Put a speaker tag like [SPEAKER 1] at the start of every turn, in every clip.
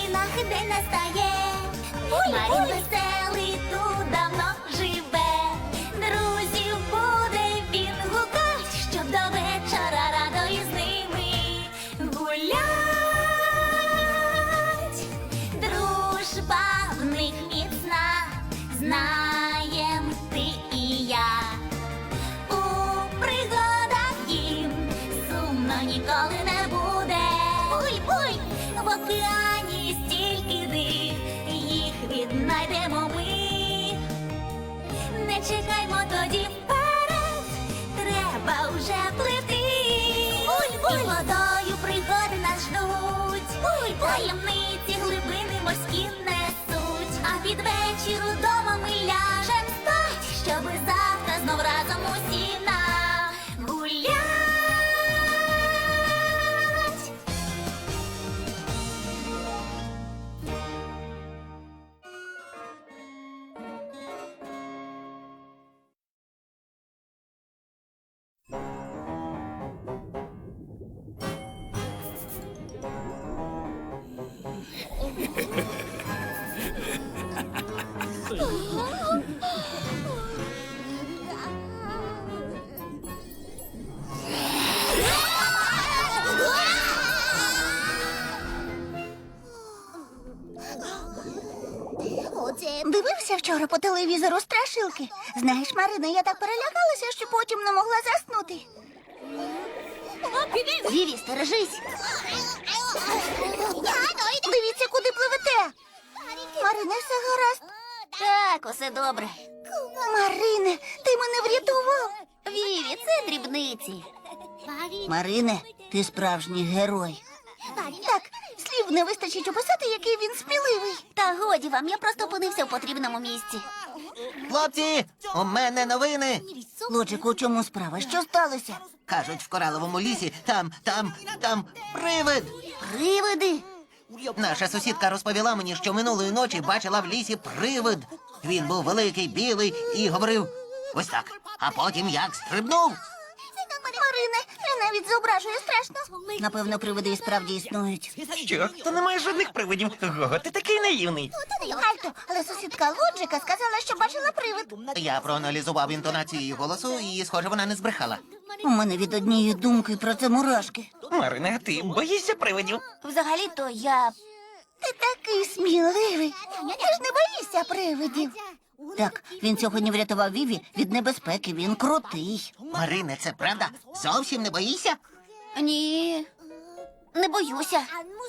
[SPEAKER 1] країнах день настає. Марін веселий тут давно живе. Друзів буде він гукать, щоб до вечора радо із ними гулять. Дружба в них міцна, знаєм ти і я. У пригадах їм сумно ніколи не буде. Буй-буй! В океані стільки див, їх віднайдемо ми. Не чекаймо тоді вперед, треба вже плити. Буй-буй! І водою пригоди нас ждуть. Буй-буй! Таємниці глибини морські несуть. А під вечір удома ми ляжем спать, щоби завтра знов разом усі нагулять.
[SPEAKER 2] Дивився вчора по телевізору страшилки. Знаєш, Марина, я так перелякалася, що потім не могла заснути. Віві, стережись. Дивіться, куди пливете. Марине, все гаразд? Так, усе добре. Марине, ти мене врятував. Віві, це дрібниці. Марине, ти справжній герой. Так, слів не вистачить описати, який він сміливий. Та годі вам, я просто опинився в потрібному місці.
[SPEAKER 3] Хлопці, у мене новини.
[SPEAKER 2] Лоджику, у чому справа? Що сталося?
[SPEAKER 3] Кажуть, в кораловому лісі там привид.
[SPEAKER 2] Привиди?
[SPEAKER 3] Наша сусідка розповіла мені, що минулої ночі бачила в лісі привид. Він був великий, білий і говорив ось так. А потім як стрибнув.
[SPEAKER 2] Марине, я навіть зображую страшно. Напевно, привиди і справді існують.
[SPEAKER 4] Що? Та немає жодних привидів. Гого, ти такий наївний.
[SPEAKER 2] Альто, але сусідка Лоджика сказала, що бачила привид.
[SPEAKER 3] Я проаналізував інтонацію її голосу, і, схоже, вона не збрехала.
[SPEAKER 2] У мене від однієї думки про це мурашки.
[SPEAKER 4] Марина, ти боїшся привидів?
[SPEAKER 2] Взагалі-то я... Ти такий сміливий. Ти ж не боїшся привидів. Так, він сьогодні врятував Віві від небезпеки, він крутий.
[SPEAKER 3] Марине, це правда? Зовсім не боїшся?
[SPEAKER 2] Ні, не боюся.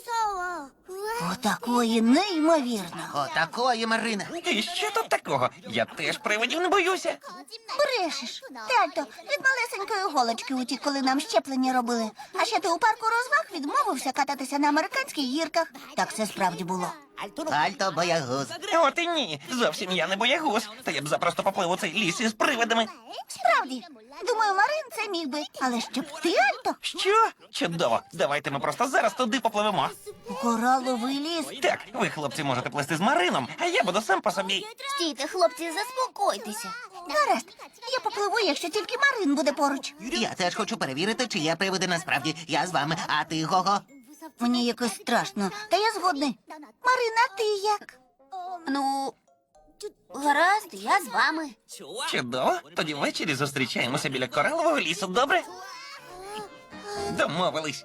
[SPEAKER 2] Отакої неймовірно.
[SPEAKER 3] Отакої, Марине.
[SPEAKER 4] І що тут такого? Я теж привидів не боюся.
[SPEAKER 2] Брешеш. Тальто, від малесенької голочки утік, коли нам щеплення робили. А ще ти у парку розваг відмовився кататися на американських гірках. Так це справді було.
[SPEAKER 3] Альто боягуз.
[SPEAKER 4] От і ні. Зовсім я не боягуз. Та я б запросто поплив у цей ліс із привидами.
[SPEAKER 2] Справді. Думаю, Марин це міг би. Але щоб ти, Альто,
[SPEAKER 4] Що? Чудово. Давайте ми просто зараз туди попливемо.
[SPEAKER 2] у кораловий ліс.
[SPEAKER 4] Так, ви, хлопці, можете плисти з Марином, а я буду сам по собі.
[SPEAKER 2] Стійте, хлопці, заспокойтеся. Гаразд, я попливу, якщо тільки Марин буде поруч.
[SPEAKER 3] Я теж хочу перевірити, чи є привиди насправді. Я з вами, а ти, Гого?
[SPEAKER 2] Мені якось страшно, та я згодний. Марина, ти як? Ну, гаразд, я з вами.
[SPEAKER 4] Чудово. Тоді ввечері зустрічаємося біля коралового лісу, добре? Домовились.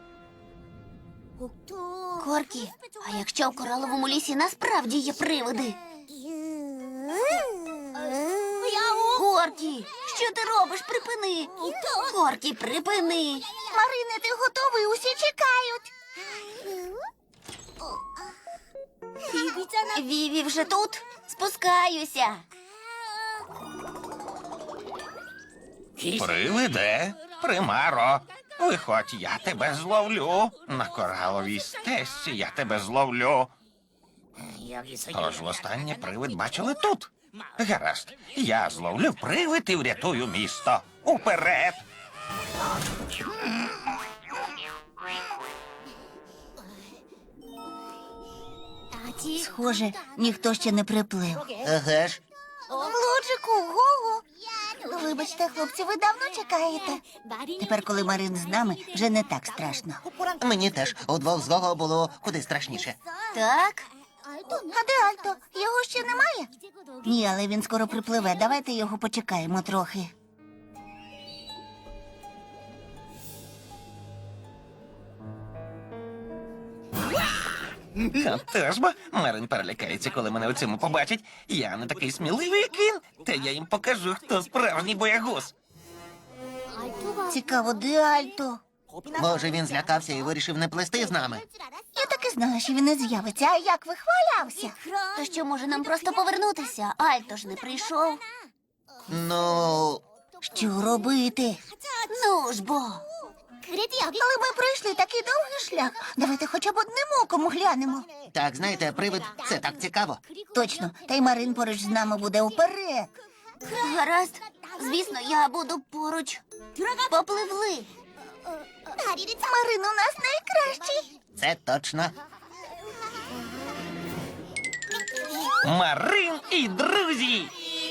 [SPEAKER 2] Коркі, а якщо в кораловому лісі насправді є привиди? Коркі, що ти робиш? Припини. Коркі, припини. Марине, ти готовий? Усі чекають. Віві вже тут? Спускаюся.
[SPEAKER 4] Привиде, примаро. Виходь, я тебе зловлю. На кораловій стежці я тебе зловлю. Тож востаннє привид бачили тут. Гаразд, я зловлю привид і врятую місто. Уперед!
[SPEAKER 2] Схоже, ніхто ще не приплив.
[SPEAKER 3] Еге ж.
[SPEAKER 2] Лоджику, Гого, Вибачте, хлопці, ви давно чекаєте? Тепер, коли Марин з нами, вже не так страшно.
[SPEAKER 3] Мені теж удвох з Гого було куди страшніше.
[SPEAKER 2] Так? А де Альто? Його ще немає? Ні, але він скоро припливе. Давайте його почекаємо трохи.
[SPEAKER 4] Теж бо Марин перелякається, коли мене у цьому побачить. Я не такий сміливий, як він. Та я їм покажу, хто справжній боягуз.
[SPEAKER 2] Цікаво, де Альто?
[SPEAKER 3] Може, він злякався і вирішив не плести з нами.
[SPEAKER 2] Я так і знала, що він не з'явиться. А як вихвалявся? То що, може нам просто повернутися? Альто ж не прийшов.
[SPEAKER 3] Ну,
[SPEAKER 2] Що робити? Ну ж бо. Але ми пройшли такий довгий шлях. Давайте хоча б одним оком глянемо.
[SPEAKER 3] так, знаєте, привид — це так цікаво.
[SPEAKER 2] Точно, та й Марин поруч з нами буде уперед. Гаразд. Звісно, я буду поруч. Попливли. Марин у нас найкращий.
[SPEAKER 3] Це точно.
[SPEAKER 4] Марин і друзі!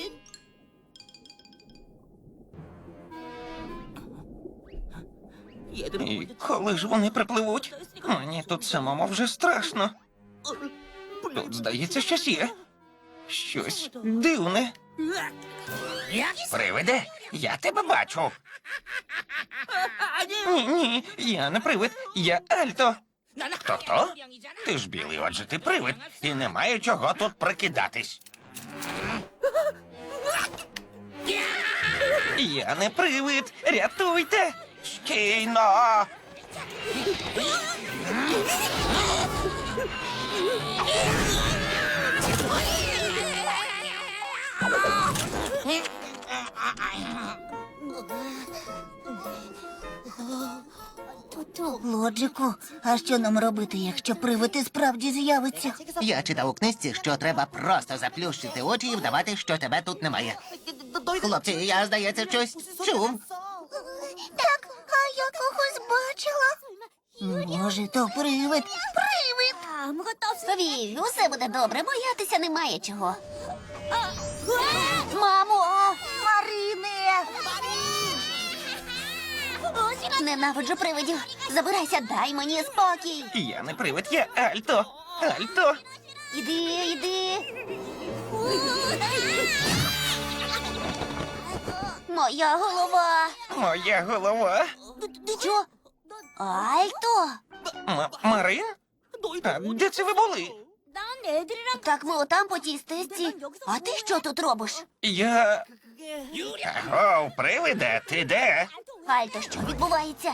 [SPEAKER 4] І коли ж вони припливуть? Мені тут самому вже страшно. Тут, здається, щось є. Щось дивне. Привиде, я тебе бачу. Ні, я не привид, я Альто. Хто? Ти ж білий, отже ти привид, і немає чого тут прикидатись. Я не привид, рятуйте! Стійно!
[SPEAKER 2] Лоджику, а що нам робити, якщо привид і справді з'явиться?
[SPEAKER 3] Я читав у книжці, що треба просто заплющити очі і вдавати, що тебе тут немає. Хлопці, я, здається, щось чув.
[SPEAKER 2] Так, а я когось бачила. Може, то привид? Привид! Вів, усе буде добре, боятися немає чого. Мамо! Марине! Ненавиджу привидів. Забирайся, дай мені спокій.
[SPEAKER 4] Я не привид, я Альто. Альто.
[SPEAKER 2] Іди. Моя голова.
[SPEAKER 4] Моя голова.
[SPEAKER 2] Що? Альто?
[SPEAKER 4] Марин? А де це ви були?
[SPEAKER 2] Так ми отам по тій стежці. А ти що тут робиш?
[SPEAKER 4] Я... Аго, привиде, ти де?
[SPEAKER 2] Альто, що відбувається?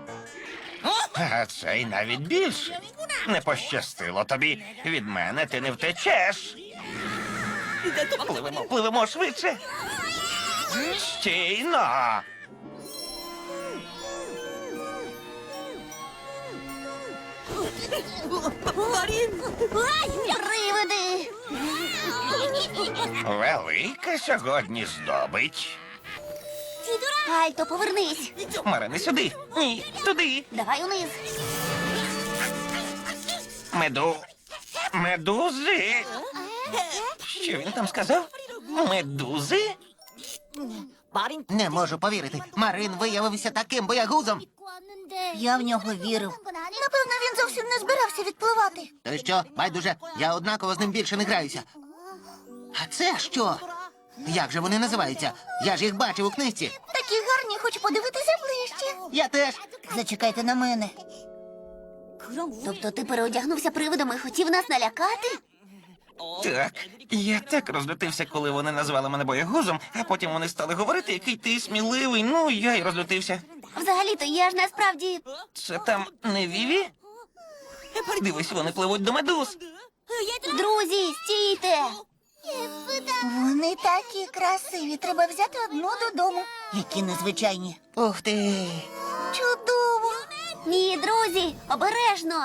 [SPEAKER 4] А цей навіть більше. Не пощастило тобі. Від мене ти не втечеш. Пливемо швидше. Стійно.
[SPEAKER 2] Привиди!
[SPEAKER 4] Велика сьогодні здобич.
[SPEAKER 2] Альто, повернись.
[SPEAKER 4] Марине, сюди. Ні, туди.
[SPEAKER 2] Давай униз.
[SPEAKER 4] Медузи. Що він там сказав? Медузи?
[SPEAKER 3] Не можу повірити. Марин виявився таким боягузом.
[SPEAKER 2] Я в нього вірив. Напевно, він зовсім не збирався відпливати.
[SPEAKER 3] То що, байдуже, я однаково з ним більше не граюся. А це що? Як же вони називаються? Я ж їх бачив у книжці.
[SPEAKER 2] Такі гарні, хочу подивитися ближче.
[SPEAKER 3] Я теж.
[SPEAKER 2] Зачекайте на мене. Тобто ти переодягнувся привидом і хотів нас налякати?
[SPEAKER 4] Так, я так розлютився, коли вони назвали мене боягузом, а потім вони стали говорити, який ти сміливий. Ну, я й розлютився.
[SPEAKER 2] Взагалі-то я ж насправді...
[SPEAKER 4] Це там не Віві? Дивись, вони пливуть до медуз.
[SPEAKER 2] Друзі, стійте! Вони такі красиві. Треба взяти одну додому. Які незвичайні.
[SPEAKER 3] Ух ти.
[SPEAKER 2] Чудово! Ні, друзі, обережно!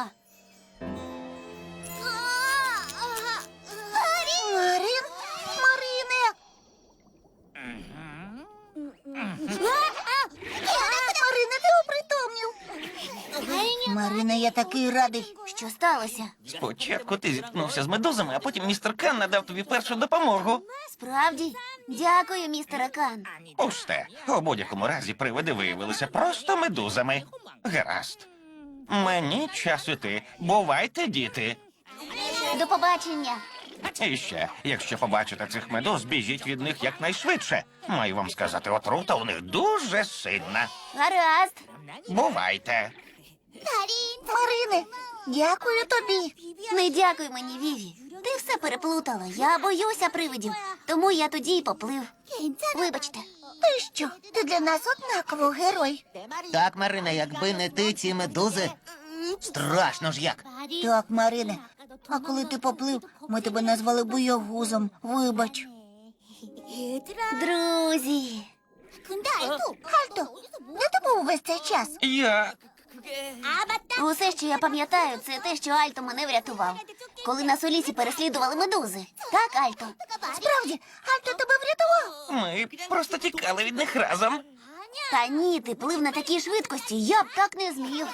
[SPEAKER 2] Марин? Марине! Марине, ти опритомнів! Марине, я такий радий, Що сталося?
[SPEAKER 4] Спочатку ти зіткнувся з медузами, а потім містер Кан надав тобі першу допомогу.
[SPEAKER 2] Справді? Дякую, містере Кан.
[SPEAKER 4] Пусте. У будь-якому разі привиди виявилися просто медузами. Гаразд. Мені час іти. Бувайте, діти.
[SPEAKER 2] До побачення.
[SPEAKER 4] І ще, якщо побачите цих медуз, біжіть від них якнайшвидше. Маю вам сказати, отрута у них дуже сильна.
[SPEAKER 2] Гаразд.
[SPEAKER 4] Бувайте.
[SPEAKER 2] Марине, дякую тобі. Не дякуй мені, Віві. Ти все переплутала. Я боюся привидів. Тому я тоді й поплив. Вибачте. Ти що? Ти для нас однаково герой.
[SPEAKER 3] Так, Марина, якби не ти, ці медузи. Страшно ж як.
[SPEAKER 2] Так, Марине. А коли ти поплив, ми тебе назвали боягузом. Вибач. Друзі. Альто, де ти був весь цей час?
[SPEAKER 4] Я.
[SPEAKER 2] Усе, що я пам'ятаю, це те, що Альто мене врятував. Коли нас у лісі переслідували медузи. Так, Альто? Справді, Альто тебе врятував?
[SPEAKER 4] Ми просто тікали від них разом.
[SPEAKER 2] Та ні, ти плив на такій швидкості, я б так не зміг.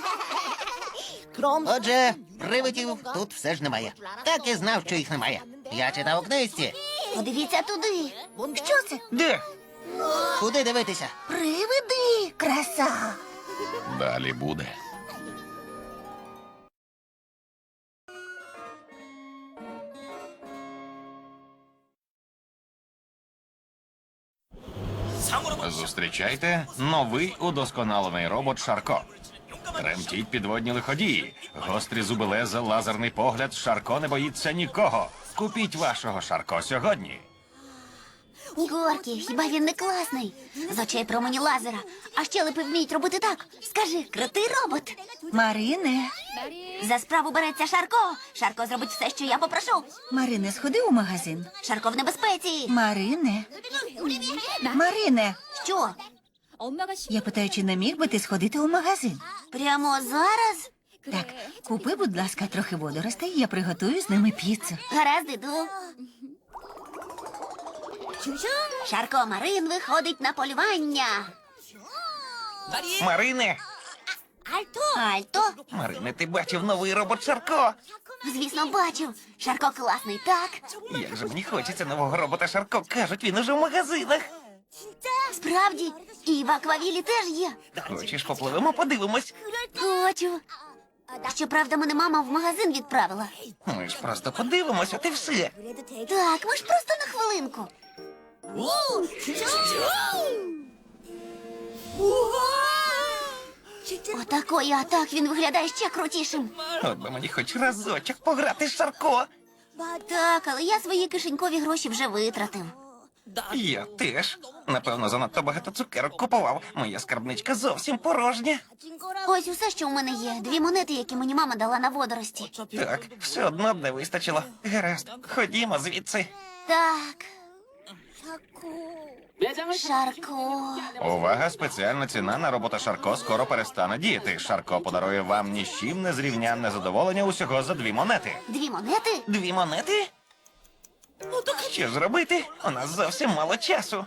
[SPEAKER 3] Отже, привидів тут все ж немає. Так і знав, що їх немає. Я читав у книжці.
[SPEAKER 2] Подивіться туди. Що це?
[SPEAKER 4] Де?
[SPEAKER 3] Куди дивитися?
[SPEAKER 2] Привиди, краса.
[SPEAKER 4] Далі буде. Зустрічайте новий удосконалений робот Шарко. Тремтіть підводні лиходії. Гострі зуби леза, лазерний погляд. Шарко не боїться нікого. Купіть вашого Шарко сьогодні.
[SPEAKER 2] Горкі, хіба він не класний? З очей промені лазера. А щелепи вміють робити так. Скажи, крутий робот.
[SPEAKER 5] Марине,
[SPEAKER 2] За справу береться Шарко. Шарко зробить все, що я попрошу.
[SPEAKER 5] Марине, сходи у магазин.
[SPEAKER 2] Шарко в небезпеці.
[SPEAKER 5] Марине, Марине,
[SPEAKER 2] Що?
[SPEAKER 5] я питаю, чи не міг би ти сходити у магазин?
[SPEAKER 2] Прямо зараз?
[SPEAKER 5] Так, купи, будь ласка, трохи водоростей, я приготую з ними піцу.
[SPEAKER 2] Гаразд, іду. Шарко Марин виходить на полювання.
[SPEAKER 4] Марине!
[SPEAKER 2] Альто?
[SPEAKER 4] Марине, ти бачив новий робот Шарко?
[SPEAKER 2] Звісно, бачив. Шарко класний, так?
[SPEAKER 4] Як же мені хочеться нового робота Шарко. Кажуть, він уже в магазинах.
[SPEAKER 2] Справді, і в аквавілі теж є.
[SPEAKER 4] Хочеш, попливемо, подивимось.
[SPEAKER 2] Хочу. Щоправда, мене мама в магазин відправила.
[SPEAKER 4] Ми ж просто подивимось, от і все.
[SPEAKER 2] Так, ми ж просто на хвилинку. Отакої, а так він виглядає ще крутішим.
[SPEAKER 4] От би мені хоч разочок пограти з Шарко.
[SPEAKER 2] Так, але я свої кишенькові гроші вже витратив.
[SPEAKER 4] Я теж. Напевно, занадто багато цукерок купував. Моя скарбничка зовсім порожня.
[SPEAKER 2] Ось усе, що у мене є. 2 монети, які мені мама дала на водорості.
[SPEAKER 4] Так, все одно б не вистачило. Гаразд, ходімо звідси.
[SPEAKER 2] Так. Шарко.
[SPEAKER 4] Увага, спеціальна ціна на робота Шарко скоро перестане діяти. Шарко подарує вам ні з чим не зрівнянне задоволення усього за 2 монети.
[SPEAKER 2] 2 монети?
[SPEAKER 4] 2 монети? Що ж робити? У нас зовсім мало часу.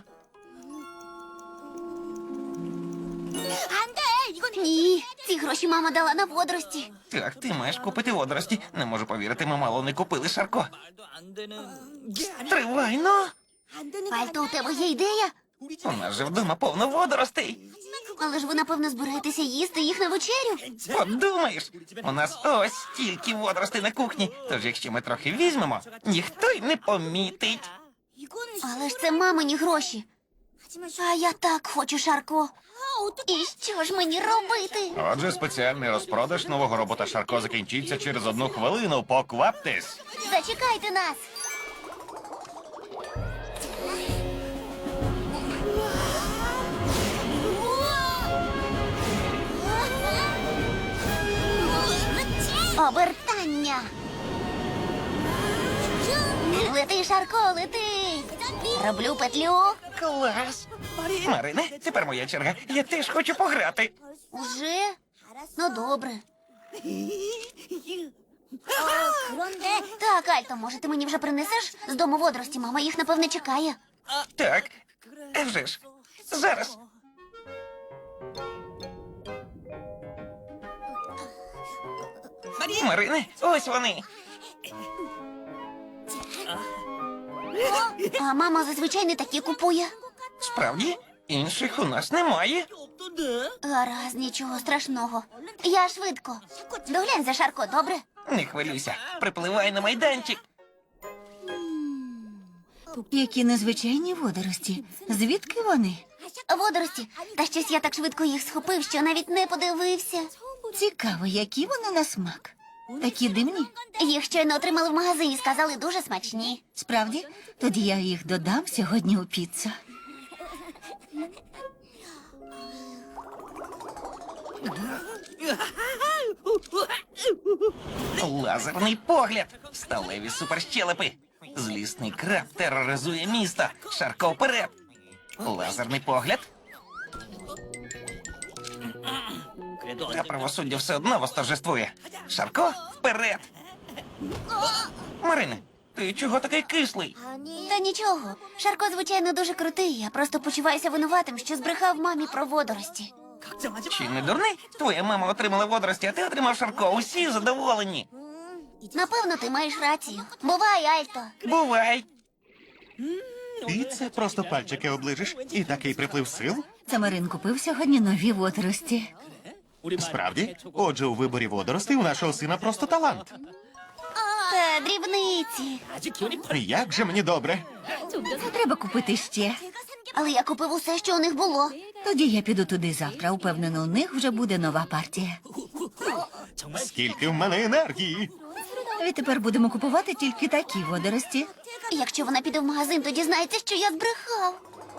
[SPEAKER 2] Ні, ці гроші мама дала на водорості.
[SPEAKER 4] Так, ти маєш купити водорості. Не можу повірити, ми мало не купили Шарко. Тривай, ну!
[SPEAKER 2] Альто, у тебе є ідея?
[SPEAKER 4] У нас же вдома повно водоростей.
[SPEAKER 2] Але ж ви, напевно, збираєтеся їсти їх на вечерю.
[SPEAKER 4] Подумаєш, у нас ось стільки водоростей на кухні. Тож, якщо ми трохи візьмемо, ніхто й не помітить.
[SPEAKER 2] Але ж це мамині гроші. А я так хочу, Шарко. І що ж мені робити?
[SPEAKER 4] Отже, спеціальний розпродаж нового робота Шарко закінчиться через 1 хвилину. Покваптесь.
[SPEAKER 2] Зачекайте нас. Обертання. Лети, Шарко, лети. Роблю петлю.
[SPEAKER 4] Клас! Марине, тепер моя черга. Я теж хочу пограти.
[SPEAKER 2] Уже? Ну, добре. Так, Альто, може, ти мені вже принесеш з дому водорості? Мама їх, напевне, чекає.
[SPEAKER 4] Так, а вже ж. Зараз. Марине, ось вони.
[SPEAKER 2] А мама зазвичай не такі купує.
[SPEAKER 4] Справді, інших у нас немає.
[SPEAKER 2] Гаразд, нічого страшного. Я швидко. Доглянь за Шарко, добре?
[SPEAKER 4] Не хвилюйся, припливай на майданчик.
[SPEAKER 5] Які незвичайні водорості. Звідки вони?
[SPEAKER 2] Водорості. Та щось я так швидко їх схопив, що навіть не подивився.
[SPEAKER 5] Цікаво, які вони на смак. Такі дивні.
[SPEAKER 2] Їх щойно отримали в магазині, сказали дуже смачні.
[SPEAKER 5] Справді, тоді я їх додам сьогодні у піцу.
[SPEAKER 4] Лазерний погляд, сталеві суперщелепи. Злісний краб тероризує місто. Шарко вперед. Лазерний погляд. Та правосуддя все одно восторжествує. Шарко вперед. Марине, ти чого такий кислий?
[SPEAKER 2] Та нічого. Шарко, звичайно, дуже крутий. Я просто почуваюся винуватим, що збрехав мамі про водорості.
[SPEAKER 4] Чи не дурний? Твоя мама отримала водорості, а ти отримав Шарко. Усі задоволені.
[SPEAKER 2] Напевно, ти маєш рацію. Бувай, Альто.
[SPEAKER 4] Бувай.
[SPEAKER 6] І це просто пальчики оближиш. І такий приплив сил?
[SPEAKER 5] Це Марин купив сьогодні нові водорості.
[SPEAKER 6] Справді? Отже, у виборі водоростей у нашого сина просто талант.
[SPEAKER 2] Та дрібниці.
[SPEAKER 6] Як же мені добре.
[SPEAKER 5] Не треба купити ще.
[SPEAKER 2] Але я купив усе, що у них було.
[SPEAKER 5] Тоді я піду туди завтра. Упевнено, у них вже буде нова партія.
[SPEAKER 6] Скільки в мене енергії.
[SPEAKER 5] Відтепер будемо купувати тільки такі водорості.
[SPEAKER 2] Якщо вона піде в магазин, то дізнається, що я збрехав.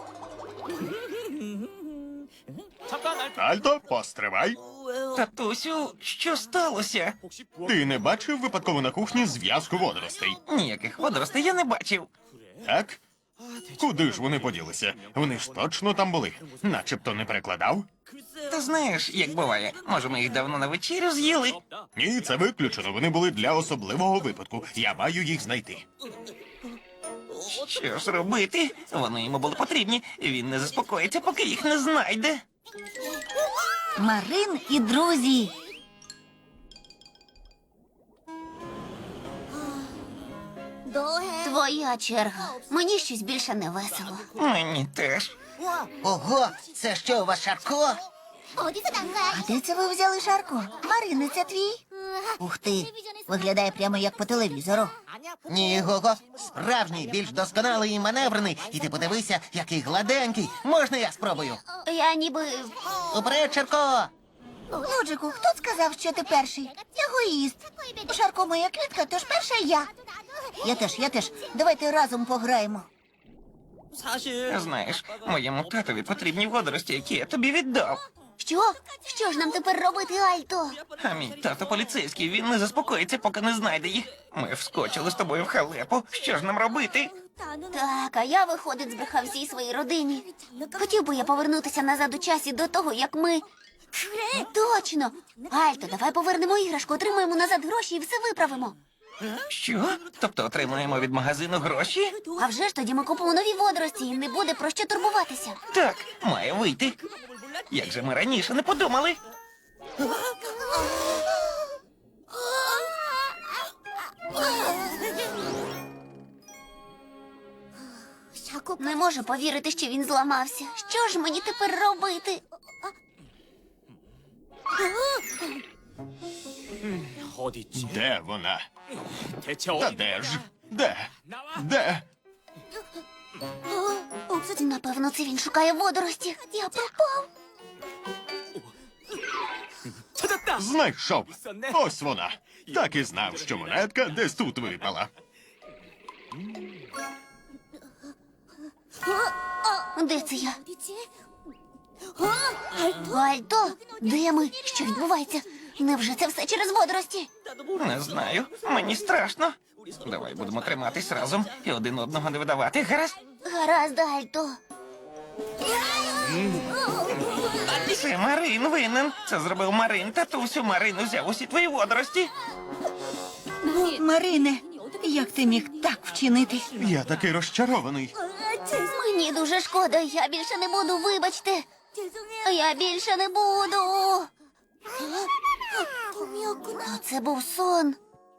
[SPEAKER 6] Альто, постривай.
[SPEAKER 4] Татусю, що сталося?
[SPEAKER 6] Ти не бачив випадково на кухні зв'язку водоростей?
[SPEAKER 4] Ніяких водоростей я не бачив.
[SPEAKER 6] Так? Куди ж вони поділися? Вони ж точно там були. Начебто не перекладав.
[SPEAKER 4] Та знаєш, як буває, може, ми їх давно на вечерю з'їли?
[SPEAKER 6] Ні, це виключено. Вони були для особливого випадку. Я маю їх знайти.
[SPEAKER 4] Що ж робити? Вони йому були потрібні. Він не заспокоїться, поки їх не знайде.
[SPEAKER 5] Марин і друзі.
[SPEAKER 2] Твоя черга. Мені щось більше не весело.
[SPEAKER 4] Мені теж.
[SPEAKER 3] Ого, це що у вас Шарко?
[SPEAKER 5] А де це ви взяли Шарко? Марин, це твій? Ух ти, виглядає прямо як по телевізору.
[SPEAKER 3] Ні, Гого, справжній, більш досконалий і маневрений. І ти подивися, який гладенький. Можна я спробую?
[SPEAKER 2] Я ніби.
[SPEAKER 3] Уперед, Шарко!
[SPEAKER 5] Лоджику, хто сказав, що ти перший? Егоїст. Шарко моя квітка, тож перша я. Я теж. Давайте разом пограємо.
[SPEAKER 4] Знаєш, моєму татові потрібні водорості, які я тобі віддав.
[SPEAKER 2] Що? Що ж нам тепер робити, Альто?
[SPEAKER 4] А мій тато поліцейський, він не заспокоїться, поки не знайде їх. Ми вскочили з тобою в халепу. Що ж нам робити?
[SPEAKER 2] Так, а я, виходить, збрехав всій своїй родині. Хотів би я повернутися назад у часі до того, як ми. Точно! Альто, давай повернемо іграшку, отримаємо назад гроші і все виправимо.
[SPEAKER 4] Що? Тобто отримуємо від магазину гроші?
[SPEAKER 2] А вже ж тоді ми купимо нові водорості і не буде про що турбуватися.
[SPEAKER 4] Так, має вийти. Як же ми раніше не подумали?
[SPEAKER 2] Не можу повірити, що він зламався. Що ж мені тепер робити?
[SPEAKER 6] Де вона? Та де ж? Де? Де?
[SPEAKER 2] Напевно, це він шукає водорості. Я пропав.
[SPEAKER 6] Знайшов. Ось вона. Так і знав, що монетка десь тут випала.
[SPEAKER 2] Де це я? Альто, де ми? Що відбувається? Невже це все через водорості?
[SPEAKER 4] Не знаю. Мені страшно. Давай будемо триматись разом і один одного не видавати. Гаразд?
[SPEAKER 2] Гаразд, Альто.
[SPEAKER 4] Це Марин винен. Це зробив Марин. Татусю, Марин взяв усі твої водорості.
[SPEAKER 5] Марине, як ти міг так вчинити?
[SPEAKER 6] Я такий розчарований.
[SPEAKER 2] Мені дуже шкода, я більше не буду, вибачте. Я більше не буду. То це був сон.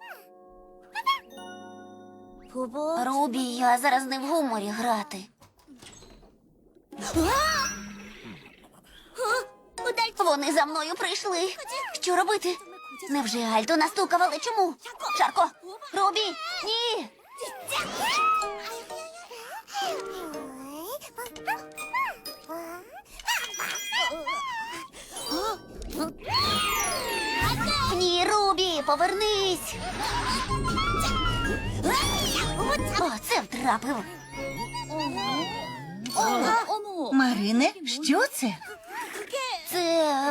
[SPEAKER 2] Рубі, я зараз не в гуморі грати. Вони за мною прийшли. Що робити? Невже Альто настукав, чому? Шарко! Рубі! Ні! Ні, Рубі, повернись! О, це втрапив.
[SPEAKER 5] Марине, що це?
[SPEAKER 2] Це...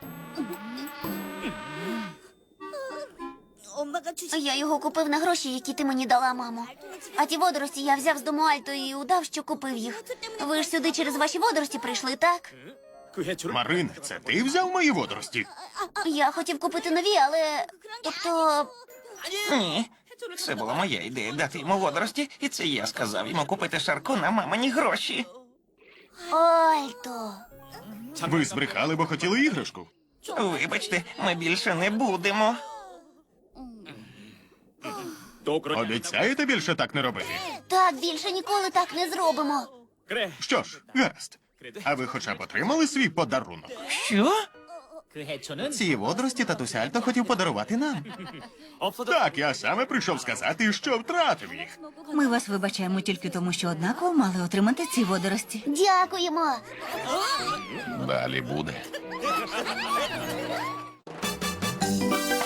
[SPEAKER 2] Я його купив на гроші, які ти мені дала, мамо. А ті водорості я взяв з дому Альто і удав, що купив їх. Ви ж сюди через ваші водорості прийшли, так?
[SPEAKER 6] Марине, це ти взяв мої водорості?
[SPEAKER 2] Я хотів купити нові, але... Тобто...
[SPEAKER 4] Ні. Це була моя ідея дати йому водорості, і це я сказав йому купити Шарко на мамині гроші.
[SPEAKER 2] Альто...
[SPEAKER 6] Ви збрехали, бо хотіли іграшку.
[SPEAKER 4] Вибачте, ми більше не будемо.
[SPEAKER 6] Обіцяєте більше так не робити?
[SPEAKER 2] Так, більше ніколи так не зробимо.
[SPEAKER 6] Що ж, гаразд. А ви хоча б отримали свій подарунок?
[SPEAKER 4] Що?
[SPEAKER 3] Ці водорості татусь Альто хотів подарувати нам.
[SPEAKER 6] Так, я саме прийшов сказати, що втратив їх.
[SPEAKER 5] Ми вас вибачаємо тільки тому, що однаково мали отримати ці водорості.
[SPEAKER 2] Дякуємо.
[SPEAKER 7] Далі буде.